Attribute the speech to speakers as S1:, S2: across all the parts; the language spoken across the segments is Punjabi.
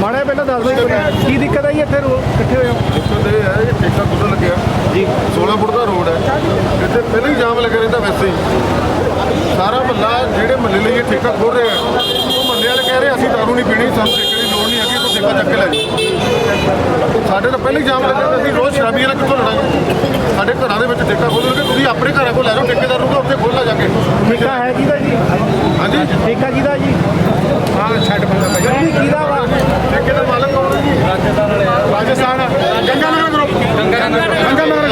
S1: ਮਾੜਾ ਪਹਿਲਾਂ ਦੱਸ ਦਿਓ ਕੀ ਦਿੱਕਤ ਆਈ ਇੱਥੇ ਇਕੱਠੇ ਹੋਏ ਹੋ?
S2: ਦਿੱਕਤ ਇਹ ਹੈ ਇਹ ਠੇਕਾ ਖੁੱਲ੍ਹਣ ਲੱਗਿਆ ਜੀ 16 ਫੁੱਟ ਦਾ ਰੋਡ ਹੈ ਇੱਥੇ ਪਹਿਲਾਂ ਹੀ ਜਾਮ ਲੱਗਿਆ ਰਹਿੰਦਾ ਵੈਸੇ ਹੀ ਸਾਰਾ ਮਹੱਲਾ ਜਿਹੜੇ ਮਹੱਲੇ ਲਈ ਇਹ ਠੇਕਾ ਖੋਲ ਰਿਹਾ ਉਹ ਮਹੱਲੇ ਵਾਲੇ ਕਹਿ ਰਹੇ ਅਸੀਂ ਦਾਰੂ ਨਹੀਂ ਪੀਣੀ ਸਾਨੂੰ ਠੇਕੇ ਦੀ ਲੋੜ ਨਹੀਂ ਹੈਗੀ ਤੂੰ ਠੇਕਾ ਚੱਕ ਕੇ ਲੈ ਜਾਓ ਸਾਡੇ ਤਾਂ ਪਹਿਲਾਂ ਹੀ ਜਾਮ ਲੱਗਿਆ ਅਸੀਂ ਰੋਜ਼ ਸ਼ਰਾਬੀਆਂ ਨਾਲ ਕਿੱਥੋਂ ਲੜਾਂਗੇ ਸਾਡੇ ਘਰਾਂ ਦੇ ਵਿੱਚ ਠੇਕਾ ਖੋਲ੍ਹੋਗੇ ਤੁਸੀਂ ਆਪਣੇ ਘਰਾਂ ਕੋਲ ਲੈ ਜਾਓ ਠੇਕੇਦਾਰ ਨੂੰ ਉੱਥੇ ਖੋਲ੍ਹਣਾ ਜਾ ਕੇ
S1: ਠੇਕਾ ਹੈ ਕਿਹਦਾ ਜੀ?
S2: ਹਾਂਜੀ
S1: ਠੇਕਾ ਕਿਹਦਾ ਜੀ?
S2: ਹਾਂ ਛੱਡ ਬੰਦਾ ਭਾਈ
S1: ਕਿਹਦਾ ਵਾ?
S2: ਠੇਕੇ ਦਾ ਮਾਲਕ ਕੌਣ ਹੈ ਜੀ? ਰਾਜਸਥਾਨ ਗੰਗਾ ਨਗਰ ਗਰੁੱਪ ਗੰਗਾ ਨਗਰ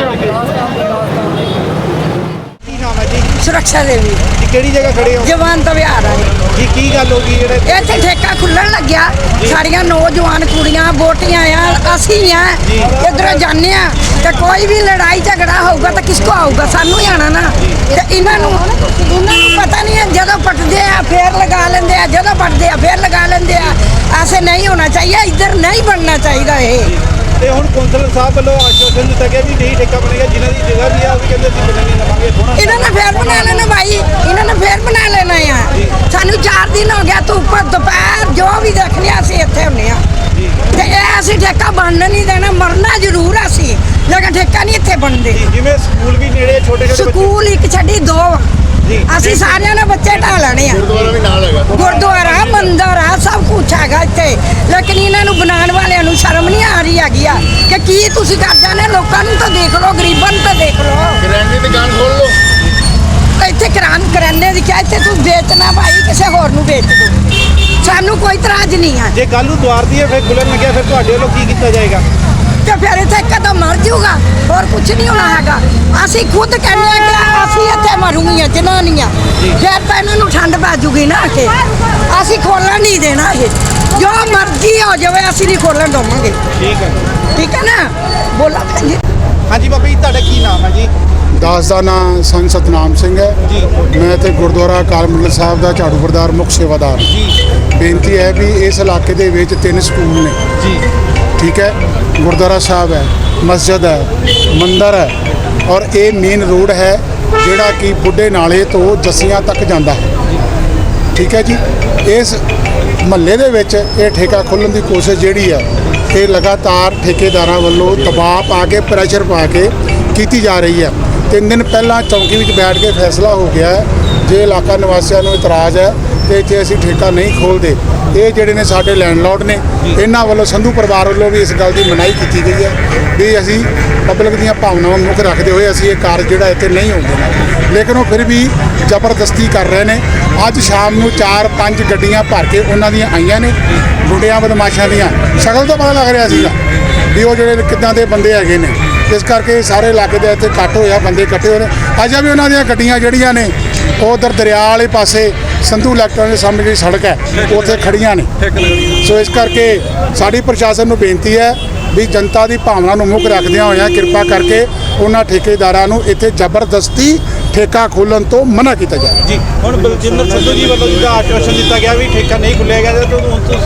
S1: ਕੀ ਨਾਮ ਹੈ ਜੀ?
S3: ਸੁਰੱਖਿਆ ਦੇਵੀ
S1: ਜੀ ਕਿਹੜੀ ਜਗ੍ਹਾ ਖੜੇ ਹੋ
S3: ਜਵਾਨ ਤਾਂ ਵਿਹਾਰ ਆ
S1: ਜੀ? ਕੀ ਗੱਲ ਹੋ ਗਈ ਜਿਹੜੇ
S3: ਇੱਥੇ ਠੇਕਾ ਖੁੱਲਣ ਲੱਗਿਆ ਸਾਡੀਆਂ ਨੌਜਵਾਨ ਕੁੜੀਆਂ ਵੋਟੀਆਂ ਆ ਅਸੀਂ ਆ ਇੱਧਰੋਂ ਜਾਂਦੇ ਆ ਤੇ ਕੋਈ ਵੀ ਲੜਾਈ ਝਗੜਾ ਹੋਊਗਾ ਤਾਂ ਕਿਸ ਕੋ ਆਊਗਾ? ਸਾਨੂੰ ਹੀ ਆਣਾ ਨਾ। ਤੇ ਇਹਨਾਂ ਨੂੰ ਪਤਾ ਨਹੀਂ ਹੈ ਜਦੋਂ ਪਟਦੇ ਆ ਫੇਰ ਲਗਾ ਲੈਂਦੇ ਆ ਜਦੋਂ ਪਟਦੇ ਆ ਫੇਰ ਲਗਾ ਲੈਂਦੇ ਆ। ਐਸੇ ਨਹੀਂ ਹੋਣਾ ਚਾਹੀਏ ਇੱਧਰ ਨਹੀਂ ਬਣਨਾ ਚਾਹੀਦਾ ਇਹ।
S1: ਤੇ ਹੁਣ ਕੌਂਸਲਰ ਸਾਹਿਬ ਵੱਲੋਂ ਆਸ਼ਵਾਸਨ ਦਿੱਤਾ ਗਿਆ ਵੀ ਨਹੀਂ ਠੇਕਾ ਬਣੇਗਾ ਜਿਨ੍ਹਾਂ ਦੀ ਜਗ੍ਹਾ ਵੀ ਆ ਉਹ ਵੀ ਕਹਿੰਦੇ ਅਸੀਂ ਬਣਾਂਗੇ ਲਵਾਂਗੇ ਥੋੜਾ
S3: ਇਹਨਾਂ ਨੇ ਫੇਰ ਬਣਾ ਲੈਣਾ ਭਾਈ ਇਹਨਾਂ ਨੇ ਫੇਰ ਬਣਾ ਲੈਣਾ ਆ। ਸਾਨੂੰ 4 ਦਿਨ ਹੋ ਗਿਆ ਧੁੱਪ ਦੁਪਹਿਰ ਜੋ ਵੀ ਦੇਖਣੇ ਅਸੀਂ ਇੱਥੇ ਹੁੰਨੇ ਆ ਤੇ ਇਹ ਅਸੀਂ ਠੇਕਾ ਬਣਨ ਨਹੀਂ ਦੇਣਾ ਮਰਨਾ ਜ਼ਰੂਰ ਅਸੀਂ ਲੇਕਿਨ ਠੇਕਾ ਨਹੀਂ ਇੱਥੇ ਬਣਦੇ।
S1: ਜਿਵੇਂ ਸਕੂਲ ਵੀ ਨੇੜੇ ਛੋਟੇ ਛੋਟੇ
S3: ਸਕੂਲ ਇੱਕ ਛੱਡੀ 2 ਅਸੀਂ ਸਾਰਿਆਂ ਨੇ ਬੱਚੇ ਢਾ ਲੈਣੇ ਆ।
S2: ਗੁਰਦੁਆਰਾ ਵੀ ਨਾਲ ਹੈਗਾ
S3: ਗੁਰਦੁਆਰਾ ਮੰਦਰ ਆ ਸਭ ਕੁਛ ਹੈਗਾ ਇੱਥੇ ਲੇਕਿਨ ਇਹਨਾਂ ਨੂੰ ਬਣਾਉਣ ਵਾਲਿਆਂ ਨੂੰ ਸ਼ਰਮ ਨਹੀਂ ਆ ਰਹੀ ਹੈਗੀ ਆ ਕਿ ਕੀ ਤੁਸੀਂ ਕਰ ਜਾਂਦੇ ਲੋਕਾਂ ਨੂੰ ਤਾਂ ਦੇਖ ਲਓ ਗਰੀਬਾਂ ਨੂੰ ਤਾਂ ਦੇਖ ਲਓ।
S2: ਕਿਰਾਏ ਦੀ ਦੁਕਾਨ ਖੋਲ ਲਓ
S3: ਇੱਥੇ ਕਰਾਨੇ ਦੀ ਕਿਹਾ ਇੱਥੇ ਤੂੰ ਵੇਚਣਾ ਭਾਈ ਕਿਸੇ ਹੋਰ ਨੂੰ ਵੇਚ ਦੋ ਸਾਨੂੰ ਕੋਈ ਇਤਰਾਜ਼ ਨਹੀਂ ਆ।
S1: ਜੇ ਕੱਲ ਨੂੰ ਦੁਆਰ ਦੀ ਫਿਰ ਖੁੱਲਣ ਲੱਗਿਆ ਫਿਰ ਤੁਹਾਡੇ ਵੱਲੋਂ ਕੀ ਕੀਤਾ ਜਾਏਗਾ?
S3: ਤੇ ਫਿਰ ਇੱਥੇ ਕਦਮ ਮਰ ਜਾਊਗਾ ਹੋਰ ਕੁਝ ਨਹੀਂ ਹੋਣਾ ਹੈਗਾ। ਅਸੀਂ ਖੁਦ ਕਹਿੰਦੇ ਆ ਕਿ ਅਸੀਂ ਇੱਥੇ ਮਰੂਗੀਆਂ ਜਨਾਨੀਆਂ ਫਿਰ ਤਾਂ ਇਹਨਾਂ ਨੂੰ ਠੰਡ ਪੈ ਜੂਗੀ ਨਾ ਕਿ ਅਸੀਂ ਖੋਲਣ ਨਹੀਂ ਦੇਣਾ ਇਹ ਜੋ ਮਰਜ਼ੀ ਹੋ ਜਾਵੇ ਅਸੀਂ ਨਹੀਂ ਖੋਲਣ ਦਵਾਂਗੇ। ਠੀਕ ਹੈ ਨਾ ਬੋਲਾ ਭੈਣ ਜੀ।
S1: ਹਾਂਜੀ ਬਾਬਾ ਜੀ ਤੁਹਾਡਾ ਕੀ ਨਾਮ ਹੈ ਜੀ?
S4: ਦਾਸ ਦਾ ਨਾਂ ਸੰਤ ਸਤਨਾਮ ਸਿੰਘ ਹੈ
S1: ਜੀ
S4: ਮੈਂ ਇੱਥੇ ਗੁਰਦੁਆਰਾ ਅਕਾਲ ਮੰਡਲ ਸਾਹਿਬ ਦਾ ਝਾੜੂ ਪ੍ਰਧਾਨ ਮੁੱਖ ਸੇਵਾਦਾਰ।
S1: ਜੀ
S4: ਬੇਨਤੀ ਹੈ ਵੀ ਇਸ ਇਲਾਕੇ ਦੇ ਵਿੱਚ 3 ਸਕੂਲ ਨੇ।
S1: ਜੀ
S4: ਠੀਕ ਹੈ ਗੁਰਦੁਆਰਾ ਸਾਹਿਬ ਹੈ ਮਸਜਿਦ ਹੈ ਮੰਦਿਰ ਹੈ ਔਰ ਇਹ ਮੇਨ ਰੋਡ ਹੈ ਜਿਹੜਾ ਕਿ ਬੁੱਢੇ ਨਾਲੇ ਤੋਂ ਜੱਸੀਆਂ ਤੱਕ ਜਾਂਦਾ ਹੈ। ਠੀਕ ਹੈ ਜੀ ਇਸ ਮਹੱਲੇ ਦੇ ਵਿੱਚ ਇਹ ਠੇਕਾ ਖੋਲ੍ਹਣ ਦੀ ਕੋਸ਼ਿਸ਼ ਜਿਹੜੀ ਹੈ ਇਹ ਲਗਾਤਾਰ ਠੇਕੇਦਾਰਾਂ ਵੱਲੋਂ ਦਬਾਅ ਪਾ ਕੇ ਪ੍ਰੈਸ਼ਰ ਪਾ ਕੇ ਕੀਤੀ ਜਾ ਰਹੀ ਹੈ। 3 ਦਿਨ ਪਹਿਲਾਂ ਚੌਂਕੀ ਵਿੱਚ ਬੈਠ ਕੇ ਫੈਸਲਾ ਹੋ ਗਿਆ ਹੈ ਜੇ ਇਲਾਕਾ ਨਿਵਾਸੀਆਂ ਨੂੰ ਇਤਰਾਜ਼ ਹੈ ਤੇ ਇੱਥੇ ਅਸੀਂ ਠੇਕਾ ਨਹੀਂ ਖੋਲ੍ਹਦੇ। ਇਹ ਜਿਹੜੇ ਨੇ ਸਾਡੇ ਲੈਂਡਲੋਰਡ ਨੇ ਇਹਨਾਂ ਵੱਲੋਂ ਸੰਧੂ ਪਰਿਵਾਰ ਵੱਲੋਂ ਵੀ ਇਸ ਗੱਲ ਦੀ ਮਨਾਹੀ ਕੀਤੀ ਗਈ ਹੈ ਵੀ ਅਸੀਂ ਪਬਲਿਕ ਦੀਆਂ ਭਾਵਨਾਵਾਂ ਮੁੱਖ ਰੱਖਦੇ ਹੋਏ ਅਸੀਂ ਇਹ ਕਾਰਜ ਜਿਹੜਾ ਇੱਥੇ ਨਹੀਂ ਹੋਣ ਦੇਣਾ। ਲੇਕਿਨ ਉਹ ਫਿਰ ਵੀ ਜ਼ਬਰਦਸਤੀ ਕਰ ਰਹੇ ਨੇ। ਅੱਜ ਸ਼ਾਮ ਨੂੰ 4-5 ਗੱਡੀਆਂ ਭਰ ਕੇ ਉਹਨਾਂ ਦੀਆਂ ਆਈਆਂ ਨੇ ਗੁੰਡਿਆਂ ਬਦਮਾਸ਼ਾਂ ਦੀਆਂ। ਸ਼ਕਲ ਤੋਂ ਪਤਾ ਲੱਗ ਰਿਹਾ ਸੀਗਾ ਵੀ ਉਹ ਜਿਹੜੇ ਕਿੱਦਾਂ ਦੇ ਬੰਦੇ ਹੈਗੇ ਨੇ। ਇਸ ਕਰਕੇ ਸਾਰੇ ਇਲਾਕੇ ਦੇ ਇੱਥੇ ਇਕੱਠ ਹੋਇਆ ਬੰਦੇ ਇਕੱਠੇ ਹੋਏ ਨੇ। ਅੱਜ ਵੀ ਉਹਨਾਂ ਦੀਆਂ ਗੱਡੀਆਂ ਜਿਹੜੀਆਂ ਨੇ ਉਹ ਉਧਰ ਦਰਿਆ ਵਾਲੇ ਪਾਸੇ ਸੰਧੂ ਇਲੈਕਟ੍ਰੋਨਿਕ ਦੇ ਸਾਹਮਣੇ ਜਿਹੜੀ ਸੜਕ ਹੈ ਉੱਥੇ ਖੜੀਆਂ ਨੇ। ਸੋ ਇਸ ਕਰਕੇ ਸਾਡੀ ਪ੍ਰਸ਼ਾਸਨ ਨੂੰ ਬੇਨਤੀ ਹੈ ਵੀ ਜਨਤਾ ਦੀ ਭਾਵਨਾ ਨੂੰ ਮੁੱਖ ਰੱਖਦਿਆਂ ਹੋਇਆਂ ਕਿਰਪਾ ਕਰਕੇ ਉਹਨਾਂ ਠੇਕੇਦਾਰਾਂ ਨੂੰ ਇੱਥੇ ਜ਼ਬਰਦਸਤੀ ਠੇਕਾ ਖੋਲ੍ਹਣ ਤੋਂ ਮਨਾ ਕੀਤਾ ਜਾਵੇ।
S1: ਜੀ ਹੁਣ ਬਲਜਿੰਦਰ ਸਿੱਧੂ ਜੀ ਵੱਲੋਂ ਜਿਹੜਾ ਆਸ਼ਵਾਸਨ ਦਿੱਤਾ ਗਿਆ ਵੀ ਠੇਕਾ ਨਹੀਂ ਖੁੱਲੇਗਾ ਤਾਂ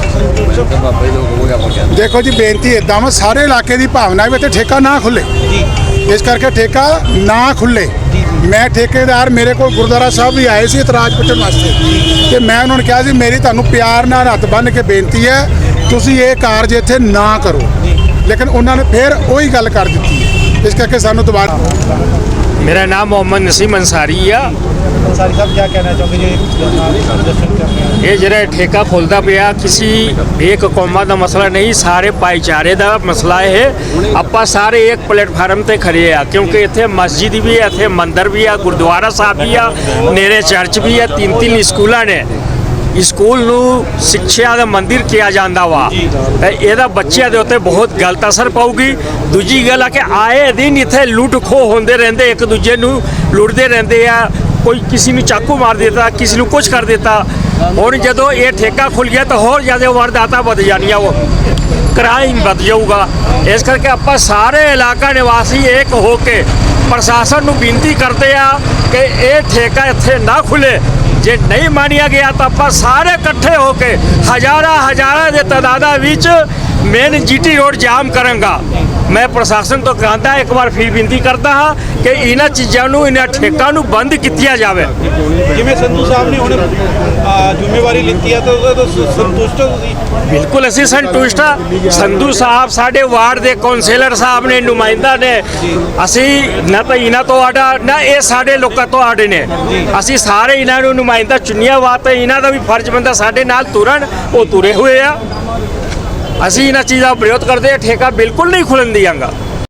S4: ਦੇਖੋ ਜੀ ਬੇਨਤੀ ਇੱਦਾਂ ਵਾ ਸਾਰੇ ਇਲਾਕੇ ਦੀ ਭਾਵਨਾ ਵੀ ਇੱਥੇ ਠੇਕਾ ਨਾ ਖੁੱਲੇ।
S1: ਜੀ
S4: ਇਸ ਕਰਕੇ ਠੇਕਾ ਨਾ ਖੁੱਲੇ। ਮੈਂ ਠੇਕੇਦਾਰ ਮੇਰੇ ਕੋਲ ਗੁਰਦੁਆਰਾ ਸਾਹਿਬ ਵੀ ਆਏ ਸੀ ਇਤਰਾਜ਼ ਪੁੱਛਣ ਵਾਸਤੇ ਤੇ ਮੈਂ ਉਹਨਾਂ ਨੂੰ ਕਿਹਾ ਸੀ ਮੇਰੀ ਤੁਹਾਨੂੰ ਪਿਆਰ ਨਾਲ ਹੱਥ ਬੰਨ੍ਹ ਕੇ ਬੇਨਤੀ ਹੈ ਤੁਸੀਂ ਇਹ ਕਾਰਜ ਇੱਥੇ ਨਾ ਕਰੋ। ਲੇਕਿਨ ਉਹਨਾਂ ਨੇ ਫਿਰ ਉਹੀ ਗੱਲ ਕਰ ਦਿੱਤੀ ਹੈ। ਇਸ ਕਰਕੇ ਸਾਨੂੰ ਦੁਬਾਰਾ
S5: मेरा नाम मोहम्मद नसीम अंसारी है।
S1: अंसारी साहब क्या कहना चाहोगे जो प्रदर्शन कर रहे हैं?
S5: ये जरा ठेका खोलता पिया किसी एक कौमा का मसला नहीं सारे भाईचारे का मसला है। ਆਪਾਂ ਸਾਰੇ एक प्लेटफार्म ਤੇ खड़े ਆ क्योंकि ਇੱਥੇ मस्जिद भी है ਇੱਥੇ ਮੰਦਰ भी है गुरुद्वारा साहब भी है नेरे चर्च भी है 3 ਸਕੂਲਾਂ ने ਸਕੂਲ ਨੂੰ ਸਿੱਖਿਆ ਦਾ ਮੰਦਿਰ ਕਿਹਾ ਜਾਂਦਾ ਵਾ ਤੇ ਇਹਦਾ ਬੱਚਿਆਂ ਦੇ ਉੱਤੇ ਬਹੁਤ ਗਲਤ ਅਸਰ ਪਾਊਗੀ। ਦੂਜੀ ਗੱਲ ਆ ਕਿ ਆਏ ਦਿਨ ਇੱਥੇ ਲੁੱਟ ਖੋਹ ਹੁੰਦੇ ਰਹਿੰਦੇ ਇੱਕ ਦੂਜੇ ਨੂੰ ਲੁੱਟਦੇ ਰਹਿੰਦੇ ਆ। ਕੋਈ ਕਿਸੇ ਨੂੰ ਚਾਕੂ ਮਾਰ ਦਿੱਤਾ ਕਿਸੇ ਨੂੰ ਕੁਝ ਕਰ ਦਿੱਤਾ। ਹੁਣ ਜਦੋਂ ਇਹ ਠੇਕਾ ਖੁੱਲ ਗਿਆ ਤਾਂ ਹੋਰ ਜ਼ਿਆਦਾ ਵਾਰਦਾਤਾਂ ਵੱਧ ਜਾਣੀਆਂ ਉਹ ਕ੍ਰਾਈਮ ਵੱਧ ਜਾਊਗਾ। ਇਸ ਕਰਕੇ ਆਪਾਂ ਸਾਰੇ ਇਲਾਕਾ ਨਿਵਾਸੀ ਇੱਕ ਹੋ ਕੇ ਪ੍ਰਸ਼ਾਸਨ ਨੂੰ ਬੇਨਤੀ ਕਰਦੇ ਆ ਕਿ ਇਹ ਠੇਕਾ ਇੱਥੇ ਨਾ ਖੁੱਲੇ। ਜੇ ਨਹੀਂ ਮੰਨਿਆ ਗਿਆ ਤਾਂ ਆਪਾਂ ਸਾਰੇ ਇਕੱਠੇ ਹੋ ਕੇ ਹਜ਼ਾਰਾਂ ਦੇ ਤਾਦਾਦਾਂ ਵਿੱਚ मेन जीटी रोड जाम करांगा। मैं प्रशासन तो कहता एक बार फिर विनती करता हाँ कि इन्होंने चीज़ों ਨੂੰ ਇਹਨਾਂ ਠੇਕਾਂ ਨੂੰ ਬੰਦ ਕੀਤਾ ਜਾਵੇ।
S1: ਜਿਵੇਂ ਸੰਧੂ ਸਾਹਿਬ ਨੇ ਹੁਣ ਜ਼ਿੰਮੇਵਾਰੀ ਲਿੱਤੀ ਹੈ ਤਾਂ ਉਹਦਾ ਤਾਂ ਸੰਤੁਸ਼ਟ ਹੋ ਤੁਸੀਂ?
S5: ਬਿਲਕੁਲ ਅਸੀਂ ਸੰਤੁਸ਼ਟ ਹਾਂ। ਸੰਧੂ ਸਾਹਿਬ ਸਾਡੇ ਵਾਰਡ ਦੇ ਕੌਂਸਲਰ ਸਾਹਿਬ ਨੇ, ਨੁਮਾਇੰਦਾ ਨੇ, ਅਸੀਂ ਨਾ ਤਾਂ ਇਹਨਾਂ ਤੋਂ ਆਡਾ ਨਾ ਇਹ ਸਾਡੇ ਲੋਕਾਂ ਤੋਂ ਆਡੇ ਨੇ। ਅਸੀਂ ਸਾਰੇ ਇਹਨਾਂ ਨੂੰ ਨੁਮਾਇੰਦਾ ਚੁਣਿਆ ਵਾ ਤੇ ਇਹਨਾਂ ਦਾ ਵੀ ਫਰਜ਼ ਬਣਦਾ ਸਾਡੇ ਨਾਲ ਤੁਰਨ, ਉਹ ਤੁਰੇ ਹੋਏ ਆ। ਅਸੀਂ ਇਹਨਾਂ ਚੀਜ਼ਾਂ ਦਾ ਵਿਰੋਧ ਕਰਦੇ ਹਾਂ। ਠੇਕਾ ਬਿਲਕੁਲ ਨਹੀਂ ਖੁੱਲਣ ਦਿਆਂਗਾ।